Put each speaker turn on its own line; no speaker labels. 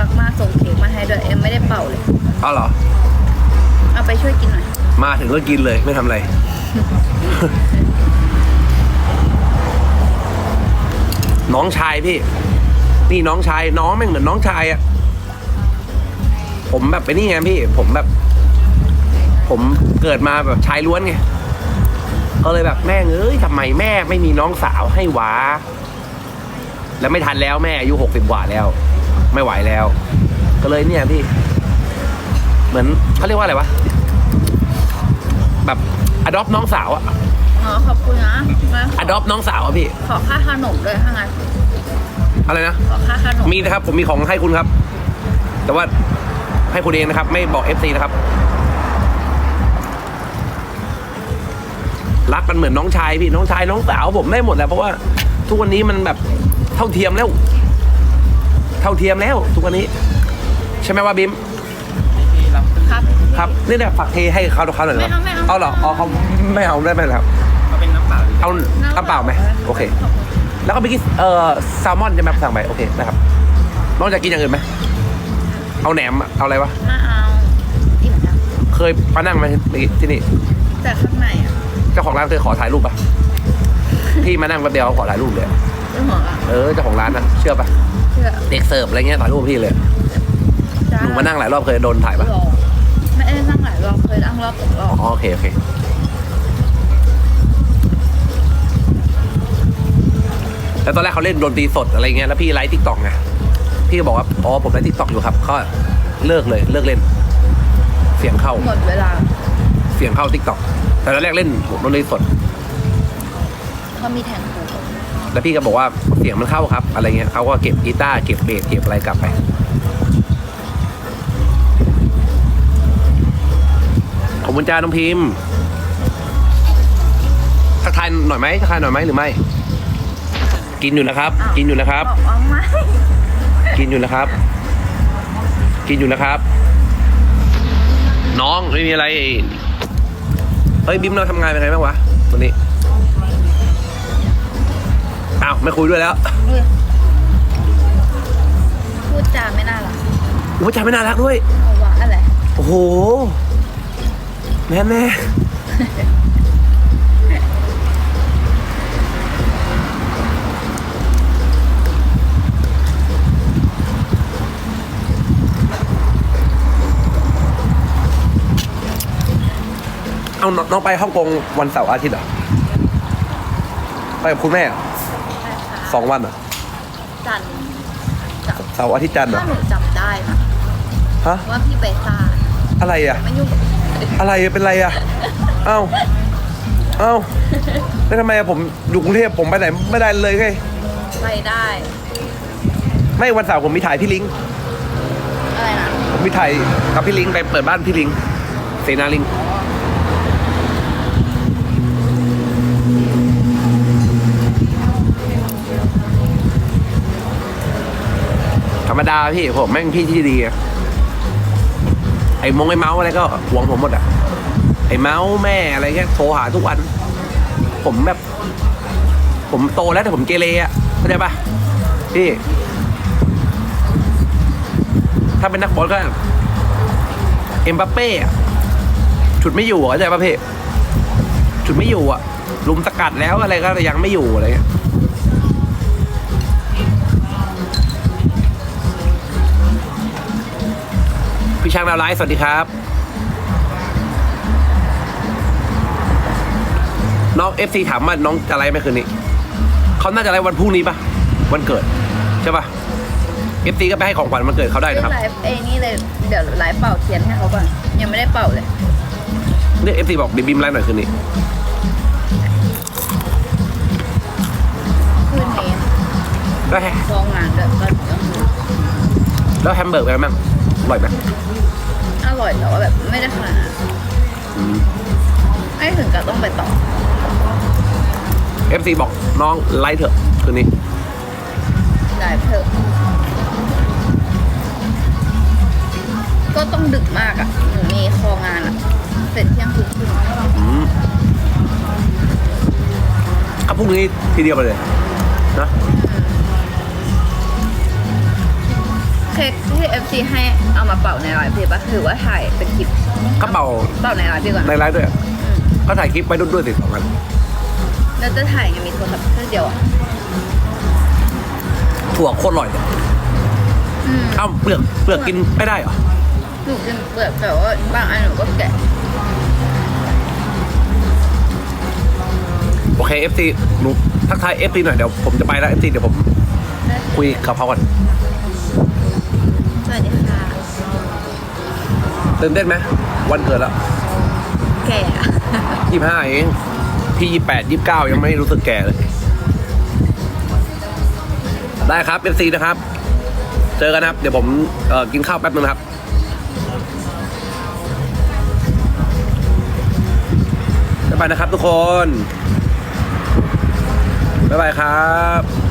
รักมากส่งเค้กมาให้ด้วยเอ็มไม่ได้เป่าเลย
เอาเหรอ
เอาไปช่วยกินหน่อย
มาถึงก็กินเลยไม่ทำอะไร น้องชายพี่ นี่น้องชายน้องแม่งเหมือนน้องชายอะผมแบบไปนี่ไงพี่ ผมแบบ ผมเกิดมาแบบชายล้วนไงก็เลยแบบแม่งเอ้ยทำไมแม่ไม่มีน้องสาวให้วะแล้วไม่ทันแล้วแม่อายุ60 กว่าแล้ว ไม่ไหวแล้ว ก็เลยเนี่ยพี่ เหมือนเขาเรียกว่าอะไรวะแบบอดอปน้องสาวอะ
อ๋อขอบคุณนะ
อดอปน้องสาวอะพี่
ขอค่าขนมด้วยถ้างั้น
อะไรนะ
ขอค่าขนม
มีนะครับผมมีของให้คุณครับ แต่ว่าให้คุณเองนะครับ ไม่บอก FC นะครับรักกันเหมือนน้องชายพี่น้องชายน้องสาวผมได้หมดแหละเพราะว่าทุกวันนี้มันแบบเท่าเทียมแล้วเท่าเทียมแล้วทุกวันนี้ ใช่ไหมว่าบิม
ครับ
ครับนี่เนี่ยฝากเทให้เขาหน่อย
ไม่เอาไม่เอา
เอาเหรออ๋อเขาไม่เอาได้ไหมครับ
เอาเป็นน้ำเปล่าดี
เอาน้ำเปล่าไหมโอเค แล้วก็ไปกินแซลมอนใช่ไหมสั่งไปโอเคนะครับน้องจะกินอย่างอื่นไหมเอาแหนมเอาอะไรวะ
ไม่เอาอิ่มแล้ว
เคยมานั่งไหมที่นี่
แต่ข้างในอ่ะ
เจ้าของร้านเคยขอถ่ายรูปปะพี่มานั่งแป๊บเดียวเขาขอถ่ายรูปเลย
เรื่องของอ่ะ
เจ้าของร้านนะเชื่อปะ
เชื่อ
เด็กเสิร์ฟอะไรเงี้ยถ่ายรูปพี่เลย
จ้า
หนูมานั่งหลายรอบเคยโดนถ่ายปะ
รอไม่ได้นั่งหลายรอบเคยนั่งรอบ2 รอบ
อ๋อโอเคโอเคแล้วตอนแรกเขาเล่นดนตรีสดอะไรเงี้ยแล้วพี่ไลฟ์ทิกตอกไงพี่ก็บอกว่าอ๋อผมไลฟ์ทิกตอกอยู่ครับก็เลิกเลยเลิกเล่น เสียงเข้า
หมดเวลา
เสียงเข้าทิกตอกแต่ตอนแรกเล่นดนตรีสด
เขามีแทงคู
แล้วพี่ก็บอกว่าเสียงมันเข้าครับ อะไรเงี้ยเขาก็เก็บกีตาร์เก็บเบสเก็บอะไรกลับไปขอบคุณจ้าน้องพิมพ์ทักทายหน่อยไหมทักทายหน่อยไหมหรือไม่ กินอยู่นะครับ กินอยู่นะครับ
บอกว่าไม่
กินอยู่นะครับ กินอยู่นะครับ น้องไม่มีอะไรเฮ้ยบิมเราทำงานเป็นไงบ้างวะวันนี้อ้าวไม่คุยด้วยแล้ว
พูดจาไม่น่ารัก
โอ้ยใจไม่น่ารักด้วย
เอาวะอะไร
โอ้โหแม่แม่เอาน้องไปฮ่องกงวันเสาร์อาทิตย์เหรอไปกับคุณแม่เหรอ
ใช่ค่ะ
2 วันเหรอ
จันทร์
เสาร์อาทิตย์จันทร์เหรอ
ถ้าหนูจำได้นะ
ฮะ
ว่าพี่ไปซ่า
อะไรอ่ะ
ไม่ยุ่งกับ
อะไรเป็นไรอ่ะเอ้าแล้วทำไมอะผมอยู่กรุงเทพผมไปไหนไม่ได้เลยไง
ไปได้
ไม่วันเสาร์ผมมีถ่ายพี่ลิง
อะไรนะ
ผมมีถ่ายกับพี่ลิงไปเปิดบ้านพี่ลิงเสนาลิงธรรมดาพี่ผมแม่งพี่ที่ดีอะไอ้เมาส์อะไรก็หวงผมหมดอะไอ้เมาส์แม่อะไรเงี้ยโทรหาทุกวัน ผมแบบ ผมโตแล้วแต่ผมเกเรอะเข้าใจปะพี่ถ้าเป็นนักบอลก็เอ็มบัปเป้อะฉุดไม่อยู่อะเข้าใจปะพี่ฉุดไม่อยู่อะลุมสกัดแล้วอะไรก็ยังไม่อยู่อะไรเงี้ยพี่ช้างดาวไลฟ์สวัสดีครับน้อง FC ถามว่าน้องจะไลฟ์ไหมคืนนี้เขาน่าจะไลฟ์วันพรุ่งนี้ปะวันเกิดใช่ปะ FC ก็ไปให้ของขวัญวันเกิดเขาได้นะครับ
ไลฟ์นี่เลยเดี๋ยวไลฟ์เป่าเทียนให้เขาก่อนยังไม่ได้เป่าเลย
เนี่ย FC บอกเดี๋ยวบิมไลฟ์หน่อยคืนนี้
คืนนี้
แล้วแฮ
ฟองงานด้วยก็ต้องดู
แล้วแฮมเบอร์กเป็นไงบ้างอร่อยไหม
อร่อยแต่ว่าแบบไม่ได้ขนาดนั้น
อืม
ไม่ถึงกับต้องไปต่อ
FC บอกน้องไลฟ์เถอะคืนนี้
ได้เถอะก็ต้องดึกมากอ่ะหนูมีคองานอ่ะเสร็จเที่ยงคืนครึ่ง
ก็พรุ่งนี้ทีเดียวไปเลยนะ
เค้กที่ FC ให้เอามาเป่าในไลฟ์พี่ปะหรือว่าถ่ายเป็นคลิป
กระเป๋า
เป่าในไลฟ์ดีกว่า
ในไลฟ์ด้วยก็ถ่ายคลิปไว้ด้วยสิ2 อัน
แล้วจะถ่ายไงมีโทรศัพท์เครื่องเดียวอ่ะ
ถั่วโคตรอร่อยเลย เอ้าเปลือกกินไม่ได้เหรอ
หนูกินเปลือกแต่ว่าบางอันหนูก็แกะ
โอเค FC หนูทักทาย FC หน่อยเดี๋ยวผมจะไปแล้ว FC เดี๋ยวผมคุยกับเขาก่อน
สวัสดีค่ะ
ตื่นเต้นไหมวันเกิดแล้ว
แกะ
25เองพี่28 29ยังไม่รู้สึกแก่เลย ได้ครับ FC นะครับ เจอกันนะครับ เดี๋ยวผมกินข้าวแป๊บนึงนะครับ บ๊ายบายนะครับทุกคน บ๊ายบายครับ